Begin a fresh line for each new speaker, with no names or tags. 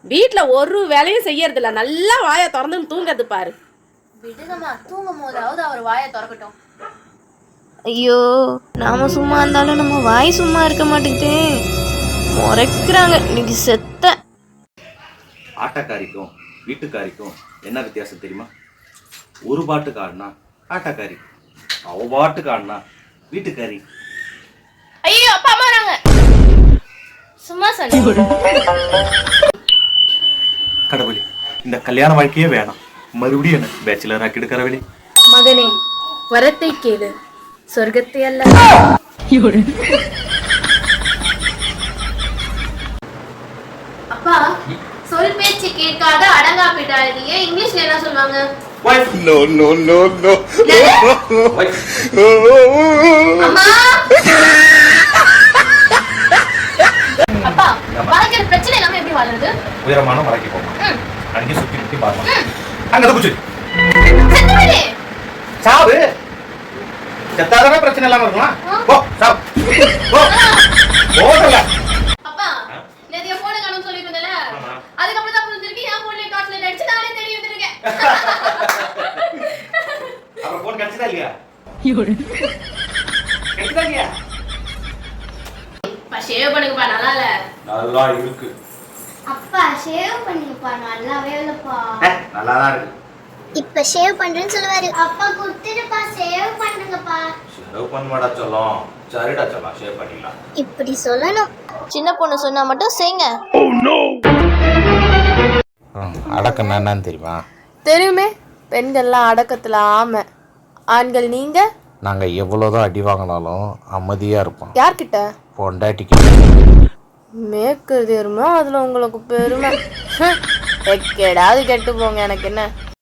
வீட்டில் ஒரு வேலையும் செய்யறதில்ல, நல்லா வாயை திறந்துன்னு தூங்கிறது பாரு.
விடுங்கம்மா, தூங்கும் போதாவது அவர் வாயை திறக்கட்டும்.
ஐயோ, நாம சும்மா இருந்தாலும் நம்ம வாய் சும்மா இருக்க மாட்டேங்குதே. முறைக்கிறாங்க இன்னைக்கு செத்த.
ஆட்டக்காரிக்கும் வீட்டுக்காரிக்கும் என்ன வித்தியாசம் தெரியுமா? ஒரு பாட்டுக்கு ஆடினா ஆட்டக்காரி, அவ பாட்டுக்கு ஆடினா வீட்டுக்காரி.
ஐயோ, அப்பா அம்மா வராங்க. சும்மா சொன்ன.
கடவுளே, இந்த கல்யாண வாழ்க்கையே வேணாம், மறுபடியும் என்ன பேச்சுலர் ஆக்கி எடுக்கிறவளே.
மகனே, வரத்தை கேளு, சொர்க்கத்தை அல்ல. அப்பா, சொல் பேச்சு கேட்காத அடங்கா போயிட்டாங்க. இங்கிலீஷ்ல என்ன சொல்லுவாங்க?
No, no, no, no.
அம்மா. அப்பா, வாழ்க்கையில பிரச்சனை இல்லாம எப்படி வாழ்றது?
உயரமான மலைக்கு போகணும், அங்கே சுத்தி சுத்தி பார்க்கணும். அங்க குச்சி
செத்துடுவே.
சாவு செத்தாதானே பிரச்சனை இல்லாம இருக்கலாம். போ சாவு போ போடல.
அப்பா, நேத்து என் போனை காணோம்னு சொல்லிட்டு இருந்தல, அதுக்கப்புறம் தான் புரிஞ்சிருக்கு என் போன்ல டார்ச் லைட் அடிச்சு நானே தேடி வந்துருக்கேன்.
அப்புறம் போன் கிடைச்சதா இல்லையா? கிடைச்சதா இல்லையா?
அப்பா, ஷேவ் பண்ணுங்கப்பா, நல்லா இல்ல.
நல்லா இருக்கு.
அப்பா ஷேவ் பண்ணிப்பா, நல்லாவே இல்லப்பா.
நல்லாதான் இருக்கு.
இப்ப ஷேவ் பண்றேன்னு சொல்லுவாரு. அப்பா குடுத்துடுப்பா, ஷேவ் பண்ணுங்கப்பா.
ஷேவ் பண்ணமாடா சொல்லும். சரிடா சொல்லலாம், ஷேவ் பண்ணிடலாம்.
இப்படி சொல்லணும்.
சின்ன பொண்ணு சொன்னா மட்டும் செய்ங்க.
அடக்கம் என்னன்னு தெரியுமா?
தெரியுமே, பெண்கள்லாம் அடக்கத்துல ஆமை, ஆண்கள் நீங்க.
நாங்க எவ்வளவுதான் அடி வாங்கினாலும் அமைதியா இருப்போம்.
யார்கிட்ட?
பொண்டாட்டிக்கு.
மேற்கிறது எருமை, அதுல உங்களுக்கு பெருமை. எக்கேடாவது கெட்டு போங்க, எனக்கு என்ன.